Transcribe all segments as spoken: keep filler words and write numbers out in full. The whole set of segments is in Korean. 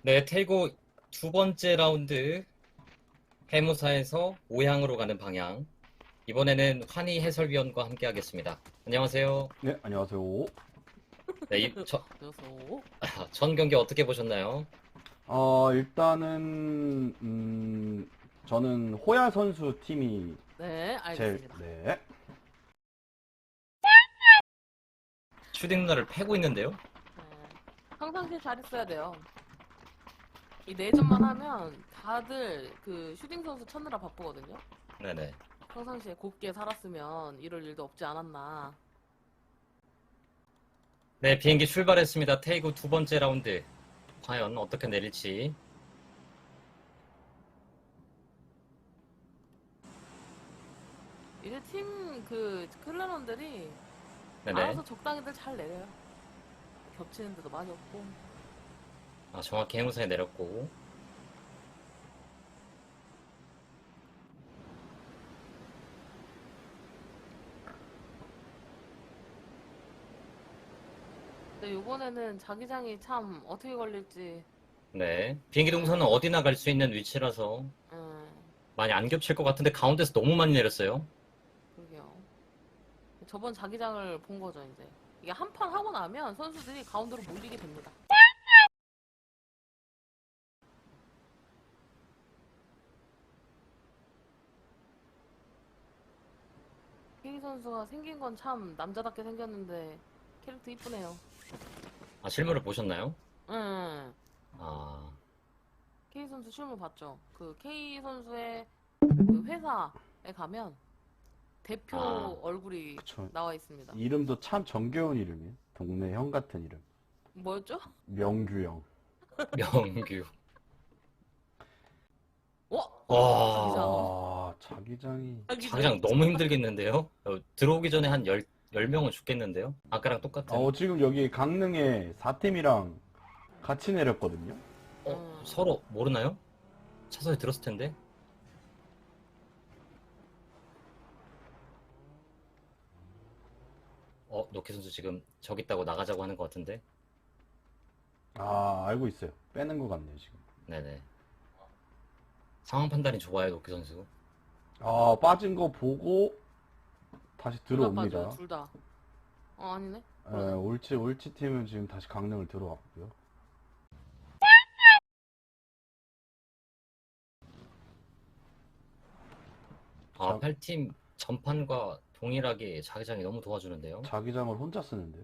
네, 테이고 두 번째 라운드 해무사에서 오향으로 가는 방향. 이번에는 환희 해설위원과 함께 하겠습니다. 안녕하세요. 네, 안녕하세요. 네, 이, 저, 그래서 아, 전 경기 어떻게 보셨나요? 어, 일단은, 음, 저는 호야 선수 팀이 네 제일, 알겠습니다. 네. 슈딩 누나를 패고 있는데요? 네. 평상시에 잘했어야 돼요. 이 내전만 하면 다들 그 슈팅 선수 찾느라 바쁘거든요. 네네. 평상시에 곱게 살았으면 이럴 일도 없지 않았나. 네, 비행기 출발했습니다. 테이고 두 번째 라운드. 과연 어떻게 내릴지. 이제 팀 그 클랜원들이 네네. 알아서 적당히들 잘 내려요. 겹치는 데도 많이 없고. 아, 정확히 해무사에 내렸고. 근데 요번에는 자기장이 참 어떻게 걸릴지. 네. 비행기 동선은 어디나 갈 수 있는 위치라서 음, 많이 안 겹칠 것 같은데 가운데서 너무 많이 내렸어요. 그러게요. 저번 자기장을 본 거죠 이제. 이게 한 판 하고 나면 선수들이 가운데로 몰리게 됩니다. 케이 선수가 생긴 건 참 남자답게 생겼는데 캐릭터 이쁘네요. 아, 실물을 보셨나요? 응. 아, K 선수 실물 봤죠? 그 K 선수의 그 회사에 가면 대표 아. 얼굴이 그쵸. 나와 있습니다. 이름도 참 정겨운 이름이에요. 동네 형 같은 이름. 뭐였죠? 명규형. 명규. 와! 와. 아, 자기장이. 자기장 너무 힘들겠는데요? 어, 들어오기 전에 한 열, 열 명은 죽겠는데요? 아까랑 똑같은. 어, 지금 여기 강릉에 사 팀이랑 같이 내렸거든요. 어, 음. 서로 모르나요? 차선에 들었을 텐데. 어, 노키 선수 지금 저기 있다고 나가자고 하는 것 같은데. 아, 알고 있어요. 빼는 것 같네요, 지금. 네네. 상황 판단이 좋아요, 노키 선수. 아, 빠진 거 보고 다시 둘 다 들어옵니다. 빠져요, 둘 다. 어, 아니네. 에, 그러네. 올치, 올치 팀은 지금 다시 강릉을 들어왔고요. 아, 자, 팔 팀 전판과 동일하게 자기장이 너무 도와주는데요. 자기장을 혼자 쓰는데.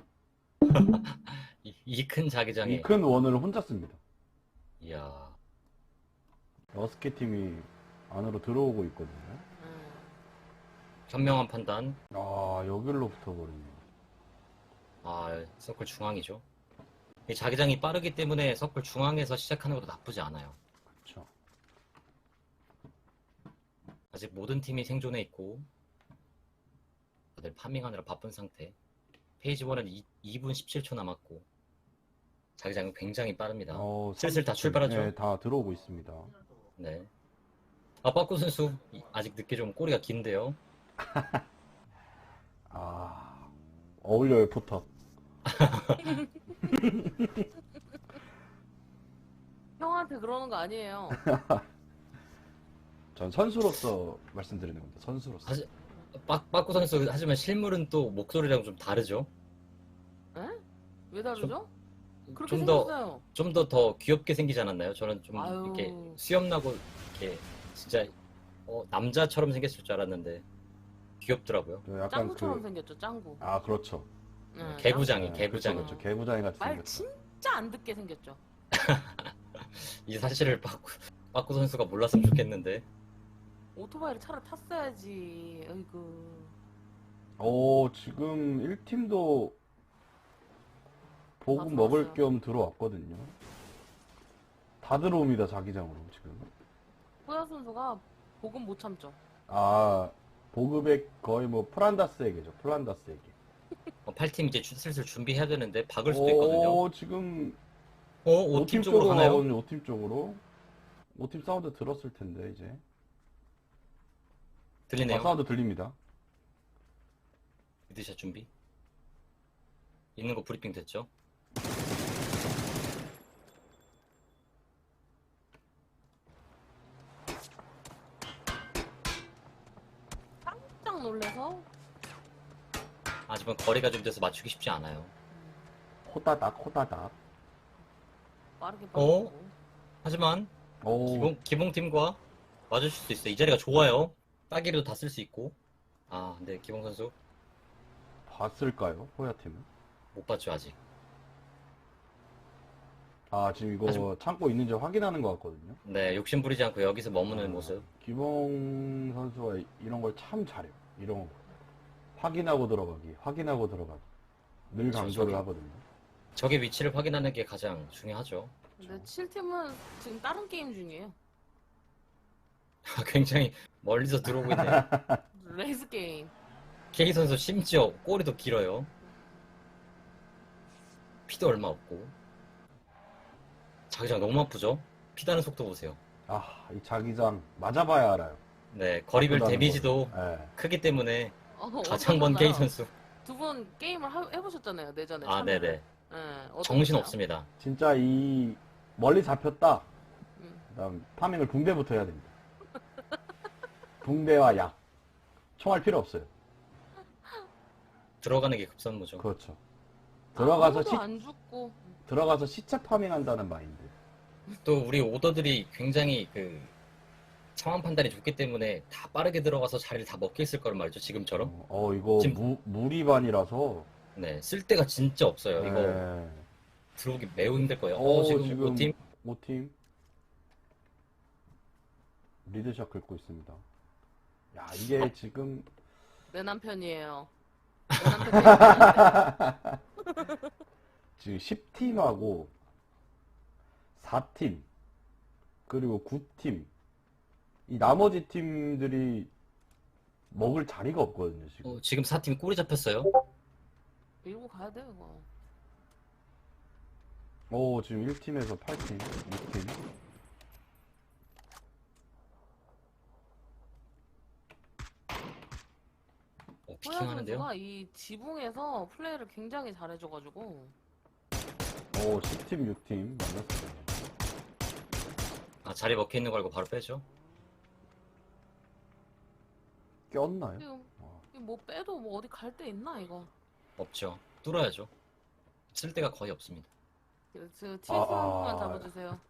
이 큰 자기장에. 이 큰 원을 혼자 씁니다. 이야. 러스키 팀이 안으로 들어오고 있거든요. 음. 현명한 판단. 아, 여기로 붙어버리네. 아, 서클 중앙이죠. 이 자기장이 빠르기 때문에 서클 중앙에서 시작하는 것도 나쁘지 않아요. 그쵸. 아직 모든 팀이 생존해 있고 다들 파밍하느라 바쁜 상태. 페이지 일은 이 분 십칠 초 남았고 자기장은 굉장히 빠릅니다. 어, 슬슬 다 삼십 분. 출발하죠? 네, 다 들어오고 있습니다. 네. 아, 빠꾸 선수 이- 아직 늦게 좀 꼬리가 긴데요. 아, 어울려요, 포터. 형한테 그러는 거 아니에요. 전 선수로서 말씀드리는 겁니다. 선수로서. 사실 빠, 빠꾸 선수 하지만 실물은 또 목소리랑 좀 다르죠. 에? 왜 다르죠? 그렇게 좀 더 생겼어요. 좀 더 더 귀엽게 생기지 않았나요? 저는 좀 아유. 이렇게 수염 나고 이렇게 진짜 어, 남자처럼 생겼을 줄 알았는데 귀엽더라고요. 또 약간 짱구처럼 그, 생겼죠, 짱구. 아, 그렇죠. 응, 개구장이 네, 개구장이. 그렇죠, 그렇죠. 개구장이 같이 말 생겼죠. 진짜 안 듣게 생겼죠. 이 사실을 빠꾸 빠꾸 선수가 몰랐으면 좋겠는데. 오토바이를 차를 탔어야지. 어이구. 오, 지금 일 팀도 보급 다 먹을 들어왔어요. 겸 들어왔거든요. 다 들어옵니다, 자기장으로, 지금. 호야 선수가 복은 못 참죠. 아, 보급의 거의 뭐 플란다스에게죠, 플란다스에게. 어, 팔 팀 이제 주- 슬슬 준비해야 되는데 박을 수도 있거든요. 오, 지금 어, 오 팀 오 팀 쪽으로 쪽으로 가나요? 가거든요, 오 팀 쪽으로. 오 팀 사운드 들었을 텐데, 이제. 아, 들리네요. 사운드 들립니다. 미드샷 준비. 있는 거 브리핑 됐죠? 깜짝 놀래서 하지만 거리가 좀 돼서 맞추기 쉽지 않아요. 호다닥 호다닥. 빠르게 어? 빠르고. 하지만 오, 기봉, 기봉팀과 맞으실 수 있어요. 이 자리가 좋아요. 따기로도 다 쓸 수 있고. 아, 근데 기봉 선수 봤을까요? 호야 팀은? 못 봤죠, 아직. 아, 지금 이거 하지만- 참고 있는지 확인하는 것 같거든요. 네, 욕심 부리지 않고 여기서 머무는 아, 모습. 기봉 선수가 이런 걸 참 잘해요. 이런 거. 확인하고 들어가기, 확인하고 들어가기. 늘 그렇죠, 강조를 저기. 하거든요. 적의 위치를 확인하는 게 가장 중요하죠. 근데 칠 팀은 지금 다른 게임 중이에요. 굉장히 멀리서 들어오고 있네요. 레이스 게임. K 선수 심지어 꼬리도 길어요. 피도 얼마 없고. 자기장 너무 아프죠? 피다는 속도 보세요. 아, 이 자기장 맞아봐야 알아요. 네, 거리별 아프다는 데미지도 걸. 예. 크기 때문에 어, 가장 먼 K 선수. 두분 게임을 하- 해보셨잖아요, 내전에. 아, 참여를. 네네. 네, 어떠셨어요? 정신 없습니다. 진짜 이 멀리 잡혔다. 음. 그다음 파밍을 붕대부터 해야 됩니다. 붕대와 약. 총알 필요 없어요. 들어가는 게 급선무죠. 그렇죠. 들어가서 아무도 시, 안 죽고. 들어가서 시체 파밍한다는 마인드. 또 우리 오더들이 굉장히 그 상황 판단이 좋기 때문에 다 빠르게 들어가서 자리를 다 먹게 있을 거란 말이죠. 지금처럼. 어, 어, 이거 지금- 무, 무리반이라서. 네, 쓸 데가 진짜 없어요. 이거 네. 들어오기 매우 힘들 거예요. 어, 어, 지금, 지금 팀 오 팀 리드샷 긁고 있습니다. 야, 이게 지금 내 남편이에요. 내 남편 게임 지금 십 팀하고 사 팀 그리고 구 팀 이 나머지 팀들이 먹을 자리가 없거든요, 지금. 어, 지금 사 팀 꼬리 잡혔어요. 밀고 가야 돼요, 이거. 오, 지금 일 팀에서 팔 팀, 육 팀. 어, 호야 피킹하는데요. 선수가 이 지붕에서 플레이를 굉장히 잘해줘가지고. 오, 십 팀, 육 팀 만났어요. 아, 자리 먹혀 있는 거 알고 바로 빼죠. 꼈나요? 지금 어. 이뭐 빼도 뭐 어디 갈 데 있나, 이거. 없죠. 뚫어야죠. 쓸 데가 거의 없습니다. 그래서 칠수 아, 한 번만 아. 잡아주세요.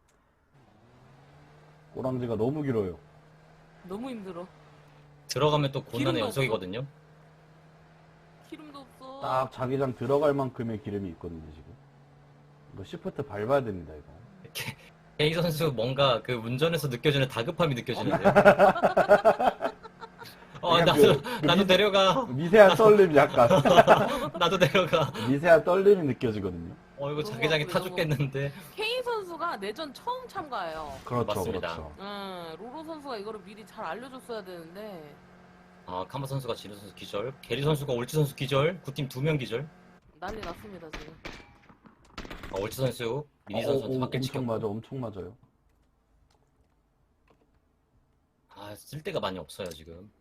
꼬랑지가 너무 길어요. 너무 힘들어. 들어가면 또 고난의 기름도 연속이거든요. 기름도 없어. 딱 자기장 들어갈 만큼의 기름이 있거든요, 지금. 이거 시프트 밟아야 됩니다, 이거. 이렇게 K 선수 뭔가 그 운전에서 느껴지는 다급함이 느껴지는데요. 어, 그냥 나도, 그- 그 나도 미- 내려가. 미세한 떨림 약간. 나도 내려가. 미세한 떨림이 느껴지거든요. 어, 이거 너무 자기장이 아프네, 타 너무 죽겠는데. K 선수가 내전 처음 참가해요. 그렇죠, 맞습니다. 그렇죠. 응, 로로 선수가 이거를 미리 잘 알려줬어야 되는데 아, 카마 선수가 지루 선수 기절. 게리 선수가 올치 선수 기절. 구팀 두 명 기절. 난리 났습니다 지금. 아, 올치 선수 미니 어, 선수한테 어, 밖에 엄청 지켰고. 맞아, 엄청 맞아요. 아, 쓸 데가 많이 없어요, 지금.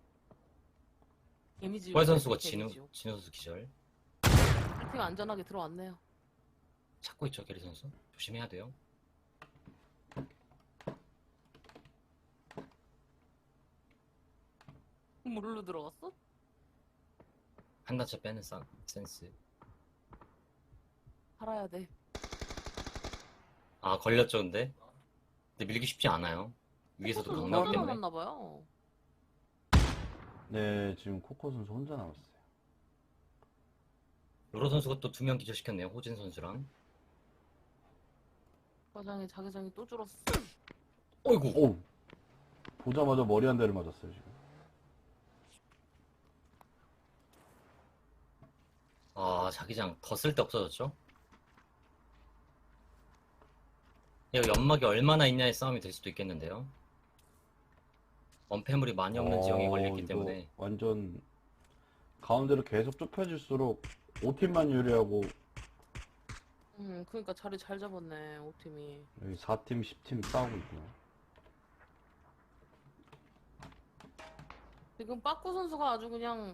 데미지. 호야 선수가 진우, 진우 선수 기절. 팀 안전하게 들어왔네요. 찾고 있죠, 게리 선수. 조심해야 돼요. 물로 들어갔어? 한 단차 빼는 싹 센스. 살아야 돼. 아, 걸렸죠, 근데? 근데 밀기 쉽지 않아요. 위에서도 코코 강나기 선수 때문에. 혼자 남았나봐요. 네, 지금 코코 선수 혼자 남았어요. 로로 선수가 또 두 명 기절시켰네요, 호진 선수랑. 과장에 자기장이 또 줄었어. 어이구! 오! 보자마자 머리 한 대를 맞았어요, 지금. 아, 자기장 더 쓸 데 없어졌죠? 이거 연막이 얼마나 있냐의 싸움이 될 수도 있겠는데요. 원패물이 많이 없는 지형에 어, 걸렸기 이거 때문에. 완전 가운데로 계속 좁혀질수록 오 팀만 유리하고 음, 그러니까 자리 잘 잡았네 오팀이. 여기 사 팀, 십 팀 싸우고 있고요. 지금 빠꾸 선수가 아주 그냥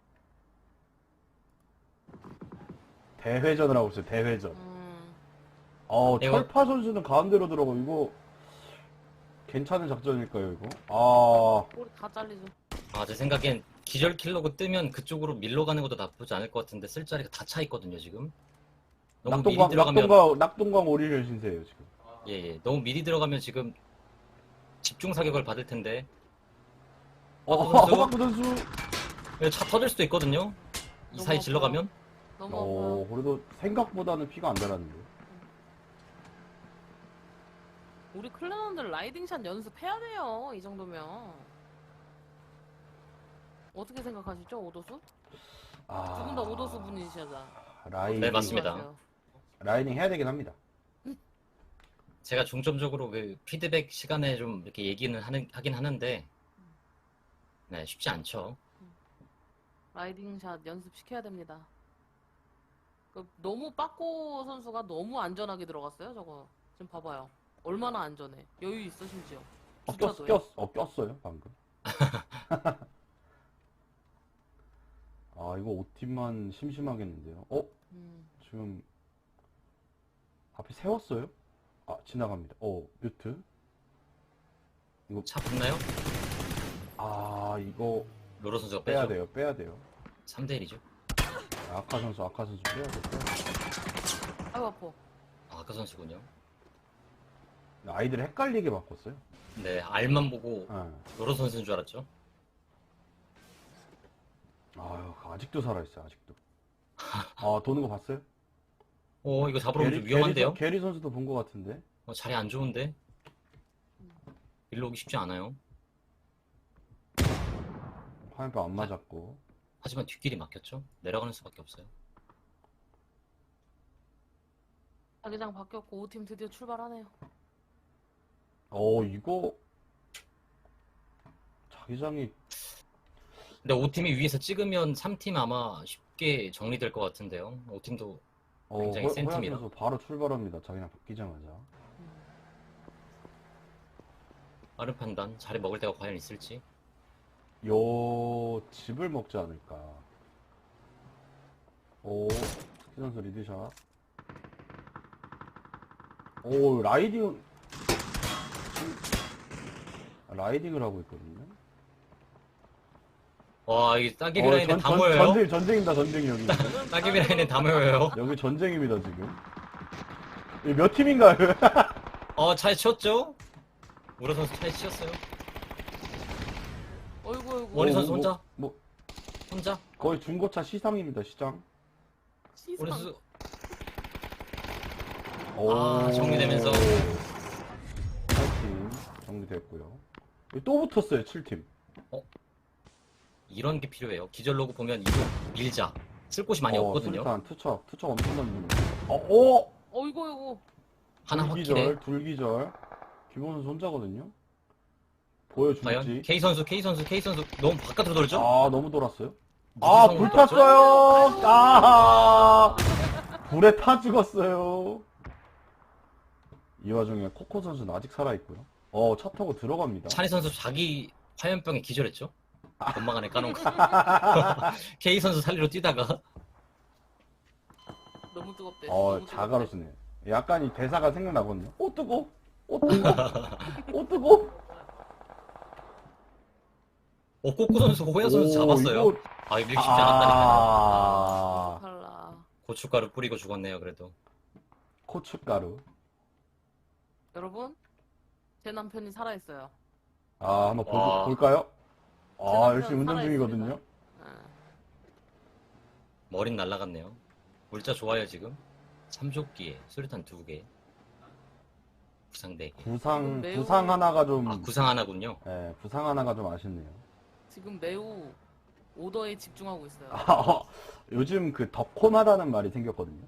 대회전을 하고 있어요, 대회전. 음, 어, 이거- 철파 선수는 가운데로 들어가고, 이거, 괜찮은 작전일까요, 이거? 아, 꼬리 다 잘리죠. 아, 제 생각엔 기절 킬러고 뜨면 그쪽으로 밀러 가는 것도 나쁘지 않을 것 같은데 쓸 자리가 다 차 있거든요, 지금. 너무 미리 낙동강, 들어가면 낙동강, 낙동강 오리를 신세예요, 지금. 예, 예. 너무 미리 들어가면 지금 집중 사격을 받을 텐데. 어, 박구 선수? 박구 선수. 예, 차 터질 수도 있거든요. 이 너무 사이 아파요. 질러가면. 너무 어, 아파요. 그래도 생각보다는 피가 안 달았는데. 우리 클랜원들 라이딩샷 연습해야 돼요. 이 정도면. 어떻게 생각하시죠, 오도수? 아, 두 분 다 오도수 분이시잖아. 라이딩, 네, 맞습니다. 생각하세요? 라이딩 해야 되긴 합니다. 제가 중점적으로 그 피드백 시간에 좀 이렇게 얘기는 하는, 하긴 하는데, 네, 쉽지 않죠. 라이딩샷 연습시켜야 됩니다. 그 너무 빠꼬 선수가 너무 안전하게 들어갔어요, 저거. 지금 봐봐요. 얼마나 안전해. 여유 있어, 심지어. 어, 꼈, 주차도에. 꼈, 어, 꼈어요, 방금. 아, 이거 오팀만 심심하겠는데요. 어? 음. 지금 앞에 세웠어요? 아, 지나갑니다. 어, 뮤트. 차 붙나요? 아, 이거 로로 선수가 빼야 빼죠. 돼요, 빼야 돼요. 삼 대 일이죠. 아, 아카 선수, 아카 선수 빼야 돼, 빼야 돼. 아이고, 아파. 아, 아까 선수군요. 아이들 헷갈리게 바꿨어요. 네, 알만 보고 예. 로로 선수인 줄 알았죠. 아유, 아직도 살아있어요, 아직도. 아, 도는 거 봤어요? 어, 이거 잡으러 오면 좀 위험한데요? 게리, 게리 선수도 본 거 같은데. 어, 자리 안 좋은데? 일로 오기 쉽지 않아요. 화면표 안 맞았고. 하지만 뒷길이 막혔죠? 내려가는 수밖에 없어요. 자기장 바뀌었고 오팀 드디어 출발하네요. 어, 이거 자기장이 근데 오 팀이 위에서 찍으면 삼 팀 아마 쉽게 정리될 것 같은데요. 오 팀도 어, 굉장히 호- 센 호양 팀이라. 선수 바로 출발합니다. 자기장 바뀌자마자. 빠른 판단, 자리 먹을 데가 과연 있을지. 요 집을 먹지 않을까. 오, 스키 선수 리드샷. 오, 라이딩 라이딩을 하고 있거든요. 와, 이게 따개비 어, 라인에 전- 다 전- 모여요. 전쟁, 전쟁입니다, 전쟁이 여기. 따개비 라인에 다 모여요. 여기 전쟁입니다, 지금. 이몇 팀인가요? 어, 차에 치웠죠? 우라 선수 차에 치였어요. 어이구, 어이구. 원희 어, 선수 뭐, 혼자? 뭐, 혼자? 거의 중고차 시장입니다, 시장. 시상. 우리 선수 오. 아, 정리되면서. 팔 팀 정리됐고요. 여기 또 붙었어요, 칠 팀. 이런 게 필요해요. 기절 로그 보면 이거 밀자. 쓸 곳이 많이 어, 없거든요. 수류탄, 투척, 투척 엄청 던지는. 어, 오! 어이구, 어이구. 하나 둘기절, 확킬해. 둘기절. 김원 선수 혼자거든요. 과연 보여줄지. K 선수, K 선수, K 선수 너무 바깥으로 돌죠? 아, 너무 돌았어요. 무슨 아, 상황을 불 돌았죠? 탔어요! 아, 불에 타 죽었어요. 이 와중에 코코 선수는 아직 살아있고요. 어, 차 타고 들어갑니다. 찬희 선수 자기 화염병에 기절했죠? 건망 안에 까놓은 거. K 선수 살리러 뛰다가 너무 뜨겁대. 어, 너무 자가로 뜨겁대. 쓰네. 약간 이 대사가 생각나거든요. 오, 뜨거! 오, 뜨거! 오, 뜨거! 어, 꼬꼬 선수, 호야 선수 오, 잡았어요. 이거- 아, 이거 밀기 쉽지 않았다니까요. 아, 달라. 고춧가루 뿌리고 죽었네요, 그래도. 고춧가루. 여러분, 제 남편이 살아있어요. 아, 한번 볼, 와. 볼까요? 제 아, 남편 열심히 운전 살아있습니다. 중이거든요. 아, 머린 날라갔네요. 물자 좋아요, 지금. 삼조끼에 수류탄 두 개. 부상 네 개. 부상, 매우- 부상 하나가 좀, 아, 구상 하나군요. 예, 부상 하나가 좀 아쉽네요. 지금 매우 오더에 집중하고 있어요. 아, 어, 요즘 그 덕코나다는 말이 생겼거든요.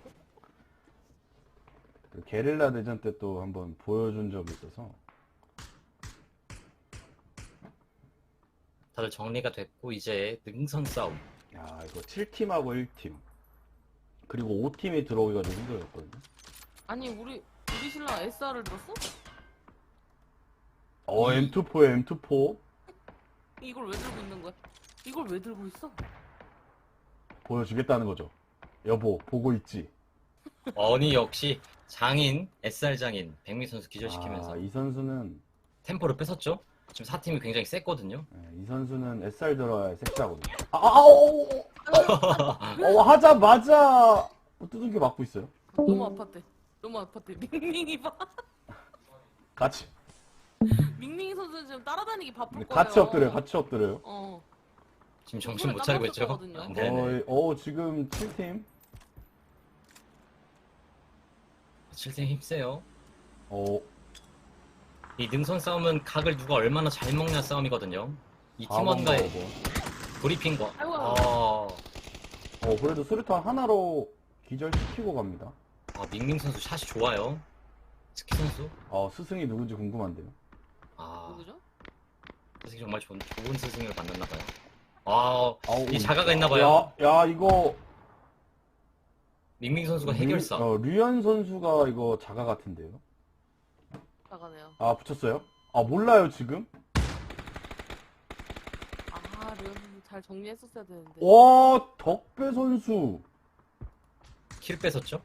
그 게릴라 대전 때 또 한번 보여준 적이 있어서. 다들 정리가 됐고, 이제 능선 싸움. 야, 이거 칠 팀하고 일 팀. 그리고 오 팀이 들어오기가 좀 힘들었거든요. 아니, 우리, 우리 신랑 에스알을 들었어? 어, 엠투포에 엠투포. 이걸 왜 들고 있는 거야? 이걸 왜 들고 있어? 보여주겠다는 거죠. 여보, 보고 있지. 어니 역시 장인, 에스알 장인, 백미 선수 기절시키면서 아, 이 선수는 템포를 뺏었죠? 지금 사 팀이 굉장히 셌거든요. 네, 이 선수는 에스알 들어야 섹시하거든요. 아, 아, 오, 어, 하자마자 두들겨 맞고 있어요. 너무 아팠대. 너무 아팠대. 밍밍이 봐. 같이. 밍밍이 선수는 지금 따라다니기 바쁠 네, 거예요. 같이 엎드려요. 같이 엎드려요. 어. 지금 정신 못 손을 차리고 깜빡 있죠. 쳤거든요. 아, 네네. 어, 어, 지금 칠 팀. 칠 팀 힘세요. 어, 이 능선 싸움은 각을 누가 얼마나 잘 먹냐 싸움이거든요. 이 팀원과의 뭐. 브리핑과 아이고. 아, 어, 그래도 수류탄 하나로 기절시키고 갑니다. 아 밍밍 선수 샷이 좋아요. 스키 선수 어, 스승이 누군지 궁금한데요. 아 누구죠? 스승이 정말 좋은, 좋은 스승을 만났나봐요. 아, 아우, 이 자가가 있나봐요. 야, 야, 이거. 밍밍 선수가 해결사. 류, 어, 류현 선수가 이거 자가 같은데요. 나가네요. 아, 붙였어요? 아, 몰라요, 지금? 아, 르잘 정리했었어야 되는데. 와, 덕배 선수. 킬 뺏었죠?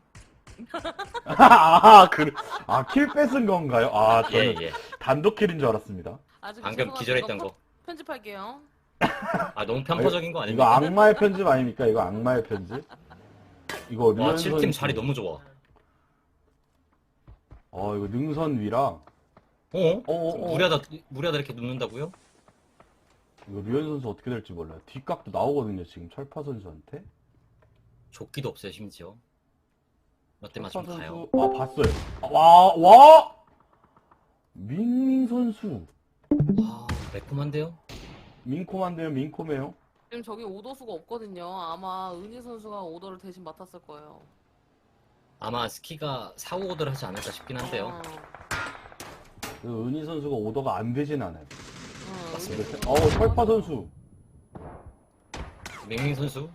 아, 그, 아, 킬 뺏은 건가요? 아, 예, 저는 예. 단독 킬인 줄 알았습니다. 아직 방금 죄송하지만 기절했던 이거 거. 편집할게요. 아, 너무 편파적인 거 이거 아닙니까? 악마의 편집 아닙니까? 이거 악마의 편집? 이거 와, 류현 칠 팀 선수. 자리 너무 좋아. 어, 이거 능선 위랑. 어? 어, 어, 어. 무리하다, 무리하다 이렇게 눕는다고요? 이거 류현 선수 어떻게 될지 몰라요. 뒷각도 나오거든요, 지금 철파 선수한테. 조끼도 없어요, 심지어. 롯데 철파 맞으면 가요. 선수, 아, 봤어요. 아, 와, 와! 밍밍 선수. 아, 매콤한데요? 민콤한데요, 민콤해요. 지금 저기 오더수가 없거든요. 아마 은희 선수가 오더를 대신 맡았을 거예요. 아마 스키가 사고 오더를 하지 않을까 싶긴 한데요. 어, 그 은희 선수가 오더가 안 되진 않아요. 어, 맞습니다. 은희 어, 선수가 철파 선수. 밍밍 선수?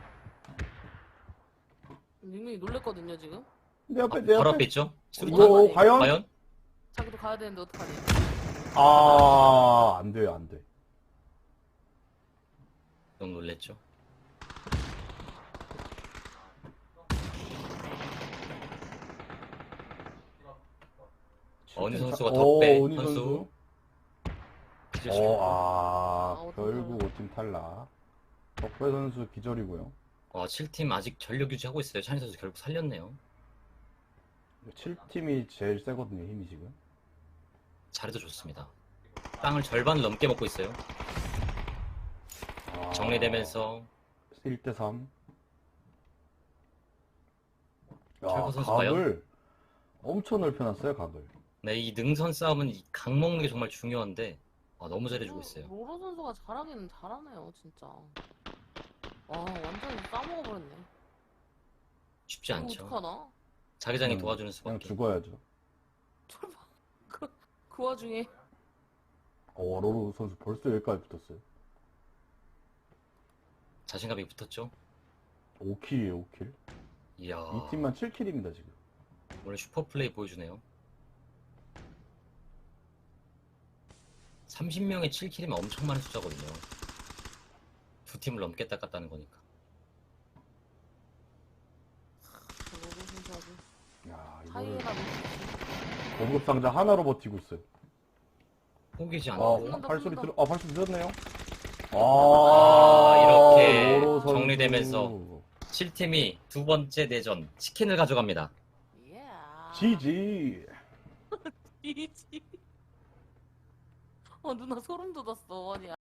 밍밍이 놀랬거든요, 지금. 내 앞에, 아, 내 바로 앞에. 앞에 있죠? 이거 수류탄. 과연? 과연? 자기도 가야 되는데 어떡하니. 아, 안 돼요, 안 돼. 너무 놀랬죠? 어느 선수가 어, 덕배 은희 선수. 어, 아, 아, 결국 오 팀 탈락. 덕배 선수 기절이고요. 와, 칠 팀 아직 전력 유지하고 있어요. 찬희 선수 결국 살렸네요. 칠 팀이 제일 세거든요, 힘이 지금. 자리도 좋습니다. 땅을 절반을 넘게 먹고 있어요. 아, 정리되면서 일 대 삼. 야, 철구 선수 각을 엄청 넓혀놨어요, 각을. 네, 이 능선 싸움은 이 각 먹는 게 정말 중요한데 아, 너무 잘해주고 있어요. 로로 선수가 잘하기는 잘하네요, 진짜. 와, 완전히 싸먹어버렸네. 쉽지 이거 않죠. 어떡하나? 자기장이 음, 도와주는 그냥 수밖에. 죽어야죠. 그, 그 와중에. 어, 로로 선수 벌써 여기까지 붙었어요. 자신감이 붙었죠. 오 킬이에요, 오 킬. 이야, 이 팀만 칠 킬입니다, 지금. 오늘 슈퍼 플레이 보여주네요. 삼십 명에 칠 킬이면 엄청 많은 숫자거든요. 두 팀을 넘겠다 깠다는 거니까. 로로 선수 아주 야, 이거를 하이에나 고급 상자 하나로 버티고 있어요. 포기지 아, 않고 쏜다, 발소리 쏜다. 들어, 아, 발소리 들었네요? 아, 아, 이렇게 로로 선수. 정리되면서 칠 팀이 두 번째 내전 치킨을 가져갑니다. 예. 지지. 이지. 어, 누나 소름 돋았어. 아니,